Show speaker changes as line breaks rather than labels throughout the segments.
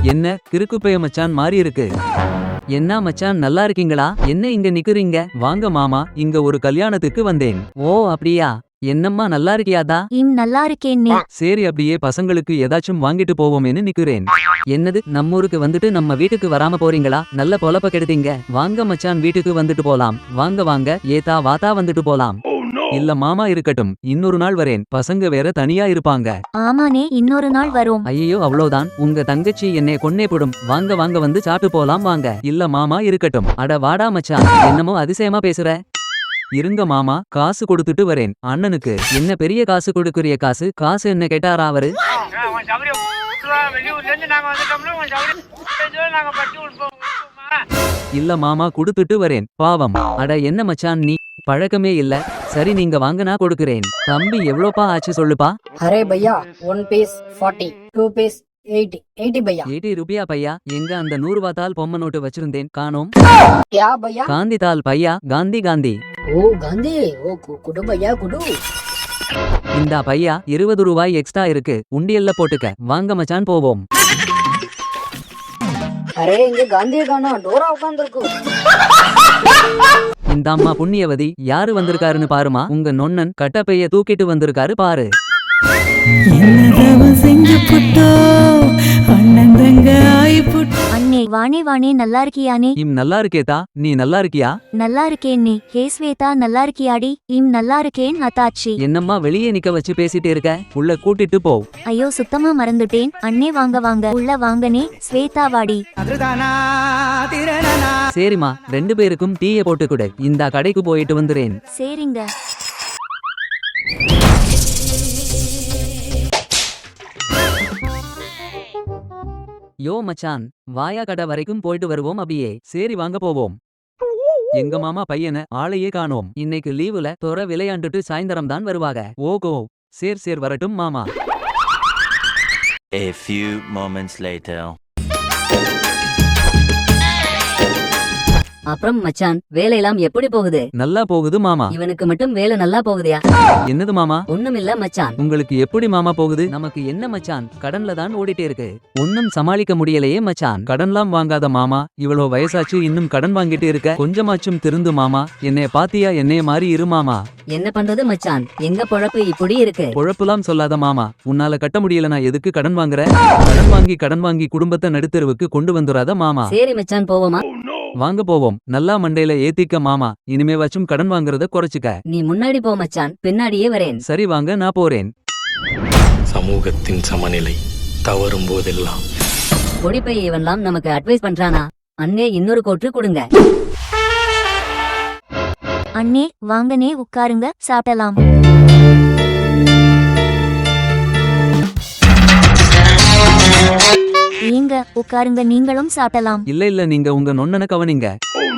என்ன கிறுக்குப்பைய மச்சான் மாறி இருக்கு. என்ன மச்சான் நல்லா இருக்கீங்களா? என்ன இங்க நிக்கிறீங்க? வாங்க மாமா, இங்க ஒரு கல்யாணத்துக்கு வந்தேன். ஓ அப்படியா? என்னம்மா நல்லா இருக்கியாதா?
நல்லா இருக்கேன்னே.
சரி அப்படியே பசங்களுக்கு ஏதாச்சும் வாங்கிட்டு போவோமேன்னு நிக்கிறேன். என்னது நம்மூருக்கு வந்துட்டு நம்ம வீட்டுக்கு வராம போறீங்களா? நல்ல பொழப்ப கெடுத்தீங்க. வாங்க மச்சான் வீட்டுக்கு வந்துட்டு போலாம். வாங்க வாங்க ஏதா வாத்தா வந்துட்டு போலாம். இல்ல மாமா இருக்கட்டும், இன்னொரு நாள் வரேன். பசங்க வேற தனியா இருப்பாங்க.
ஆமானே இன்னொரு நாள் வரோம்.
ஐயோ அவ்வளவுதான், உங்க தங்கச்சி என்னை கொன்னே போடும். வாங்க வாங்க வந்து சாப்பிட்டு போலாம் வாங்க. இல்ல மாமா இருக்கட்டும். அட வாடா மச்சான், என்னமோ அதிசயமா பேசுற. இருங்க மாமா, காசு கொடுத்துட்டு வரேன். அண்ணனுக்கு என்ன பெரிய காசு கொடுக்குறிய? காசு என்ன கேட்டாரா அவரு? இல்ல மாமா கொடுத்துட்டு வரேன், பாவம். அட என்ன மச்சான் நீ, பழக்கமே இல்ல. சரி நீங்க வாங்க நான் கொடுக்கிறேன். தம்பி எவ்வளோப்பா ஆச்சு சொல்லுப்பா.
அரே பையா 1 piece 40, 2 piece 80 भैया।
80 रुपया பையா. எங்க அந்த 100 ரூபா தாள் பொம்மை நோட்டு வச்சிருந்தேன், காணோம்.
क्या भैया?
காந்தி தாள் பையா, காந்தி காந்தி.
ओ गांधी, ओ कुडू भैया कुडू।
இந்தா பையா 20 ரூபாய் எக்ஸ்ட்ரா இருக்கு, உண்டியல்ல போட்டுக்க. வாங்க மச்சான் போவோம்.
அரே இங்க காந்தியை காணோம், டோரா உட்கார்ந்திருக்கு.
இந்த அம்மா புண்ணியவதி, யாரு வந்திருக்காருன்னு பாருமா. உங்க நொண்ணன் கட்டப்பைய தூக்கிட்டு வந்திருக்காரு பாரு.
அண்ணே வானே வானே நல்லா இருக்கியானே?
நல்லா இருக்கேதா, நீ நல்லா இருக்கியா?
நல்லா இருக்கேன்னே. ஹே ஸ்வேதா நல்லா இருக்கியாடி? நல்லா இருக்கேன் அத்தாச்சி.
என்னம்மா வெளியே நிக்க வச்சு பேசிட்டு இருக்க? உள்ள கூட்டிட்டு போ.
ஐயோ சுத்தமா மறந்துட்டேன். அண்ணே வாங்க வாங்க உள்ள வாங்கனே. ஸ்வேதா வாடி.
சரிம்மா, 2 பேருக்கும் டீயை போட்டு கொடு. இந்த கடைக்கு போயிட்டு வந்துறேன்.
சரிங்க.
யோ மச்சான், வாயா கடை வரைக்கும் போயிட்டு வருவோம் அப்படியே. சரி வாங்க போவோம். எங்க மாமா பையன ஆளையே காணோம். இன்னைக்கு லீவுல தொற விளையாண்டுட்டு சாயந்தரம் தான் வருவாங்க. ஓகோ சேர் வரட்டும் மாமா.
A few moments later.
அப்புறம் மச்சான் வேலையெல்லாம் எப்படி போகுது?
நல்லா போகுது மாமா.
இவனுக்கு மட்டும் வேலை நல்லா போகுதியா?
என்னது மாமா?
ஒண்ணுமில்ல மச்சான்.
உங்களுக்கு எப்படி மாமா போகுது? நமக்கு என்ன மச்சான், கடன்ல தான் ஓடிட்டே இருக்கு. ஒன்னும் சமாளிக்க முடியலையே மச்சான். கடன்லாம் வாங்காத மாமா, இவ்வளவு வயசாச்சு இன்னும் கடன் வாங்கிட்டு இருக்க. கொஞ்சமாச்சும் திருந்து மாமா. என்னைய பாத்தியா, என்னைய மாறி இரு மாமா.
என்ன பண்றது மச்சான், எங்க பொழப்பு இப்படி இருக்கு.
பொழப்புலாம் சொல்லாத மாமா. உன்னால கட்ட முடியலனா எதுக்கு கடன் வாங்குற? கடன் வாங்கி குடும்பத்தை நடுத்தருவுக்கு கொண்டு வந்துராத மாமா.
சரி மச்சான் போவோமா?
வாங்க போவோம். நல்லா மண்டையில ஏத்திக்க மாமா. இனிமே வச்சும் கடன் வாங்குறத குறைச்சுக்க.
நீ முன்னாடி போ மச்சான், பின்னாடியே வரேன்.
சரி வாங்க நான் போறேன்.
சமூகத்தின் சமநிலை தவறும் போதெல்லாம்
பொடிப்பை இவன்லாம் நமக்கு அட்வைஸ் பண்றானா? அண்ணே இன்னொரு கோட்டு கொடுங்க.
அண்ணே வாங்கனே உட்காருங்க, சாப்பிடலாம். ஏங்க உட்காருங்க, நீங்களும் சாப்பிடலாம்.
இல்ல நீங்க உங்க நொண்ணன கவனிங்க.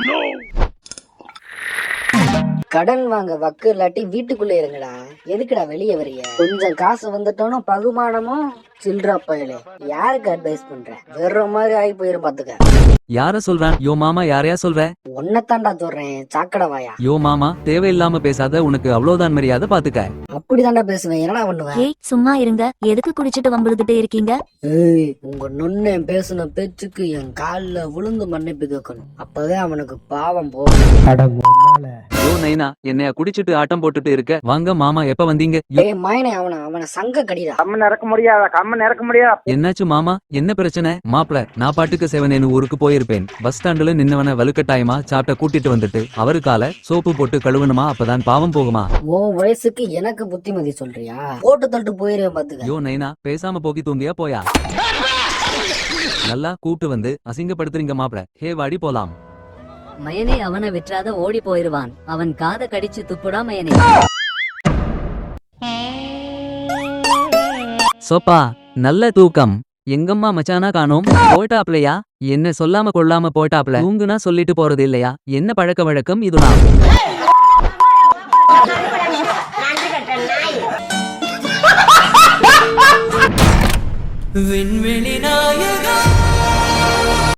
கடன் வாங்க வக்கு இல்லாட்டி வீட்டுக்குள்ள இருங்கடா. எதுக்குடா வெளியே வரிய? கொஞ்சம் காசு வந்துட்டோம் பகுமானமும் சில்றா பயலே. யாருக்கு அட்வைஸ் பண்ற? வேற மாதிரி ஆகி போயிரும் பாத்துக்க.
யார சொல்றான்? யோ மாமா, யாரையா சொல்ற?
ஒன்னத்தாண்டா சொல்றேன், சாக்கடை வாயா.
யோ மாமா, தேவையில்லாம பேசாத. உனக்கு அவ்வளவுதான் மரியாதை, பாத்துக்க.
அப்படிதாண்டா பேசுவேன், என்னடா பண்ணுவேன்?
ஏய் சும்மா இருங்க, எதுக்கு குடிச்சிட்டு வம்பிழுத்துட்டே இருக்கீங்க?
ஏய் உங்க நொண்ணே பேசுன பேச்சுக்கு என் கால்ல விழுந்து மன்னிப்பு கேட்கணும். அப்பதான் அவனுக்கு பாவம் போகும்.
யோ நைனா, என்னைய குடிச்சிட்டு ஆட்டம் போட்டுட்டு இருக்க. வாங்க மாமா, எப்ப வந்தீங்க?
ஏய் மாயனே, அவன சங்க கடிடா.
கம்மன் இறக்க முடியாது.
என்னாச்சு மாமா, என்ன பிரச்சனை? மாப்ள, நான் பாட்டுக்கு செவனேன்னு ஊருக்கு போயிருப்பேன். பஸ் ஸ்டாண்டுல நின்னவன வலுக்கட்டாயமா சாப்பிட்ட கூட்டிட்டு வந்துட்டு அவருக்கால சோப்பு போட்டு கழுவணுமா? அப்பதான் பாவம் போகுமா?
உன் வயசுக்கு எனக்கு புத்திமதி சொல்றியா? போட்டு தள்ளிட்டு போயிருவேன் பாத்துக்க.
யோ நைனா, பேசாம போக்கி தூங்கியா போயா. நல்லா கூப்பிட்டு வந்து அசிங்கப்படுத்துறீங்க மாப்ள. ஹே வாடி போலாம்.
மயனே அவனை விற்றாத ஓடி போயிருவான். அவன் காத கடிச்சு துப்புடா மயனே.
சோப்பா நல்ல தூக்கம். எங்கம்மா மச்சானா காணோம்? போட்டாப்லையா? என்ன சொல்லாம கொள்ளாம போட்டாப்ல. தூங்குனா சொல்லிட்டு போறது இல்லையா? என்ன பழக்க வழக்கம் இதுதான்?
விண்வெளி நாயகா